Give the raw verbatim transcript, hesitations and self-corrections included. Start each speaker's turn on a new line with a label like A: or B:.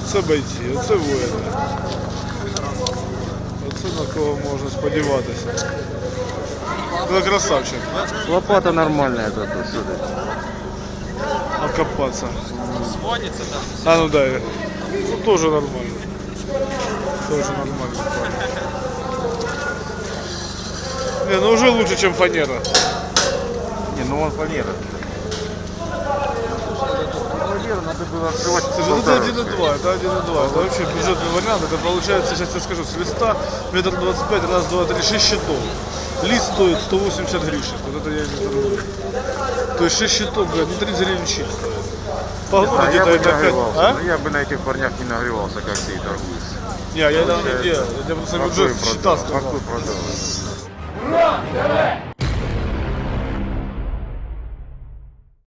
A: Оце бойці, оце воїни. Оце на кого можна сподіватися. Ну, красавчик.
B: Лопата нормальная тут, сюда.
A: Окопаться.
C: Сводится там.
A: А, ну да. Ну, тоже нормально. Тоже нормально. Не, ну уже лучше, чем фанера.
B: Не, ну он фанера. Фанеру надо было открывать.
A: Слушай, ну это один и два, это один и два. Это вообще бюджетный вариант. Это получается, сейчас я скажу, с листа метр двадцать пять, раз, два, три, шесть щитов. Лист стоит сто восемьдесят гривен. Вот это я не торгую. То есть шесть щитов, блядь, не тридцать гривен щит стоит. Погнали
B: А, я
A: где-то
B: бы не
A: это опять.
B: нагревался.
A: А?
B: Ну, я бы на этих парнях не нагревался, как ты и торгуешь.
A: Не, я этого не делал. Я просто
B: Какой
A: бюджет
B: продал?
A: счета сказал.
B: Какой продал?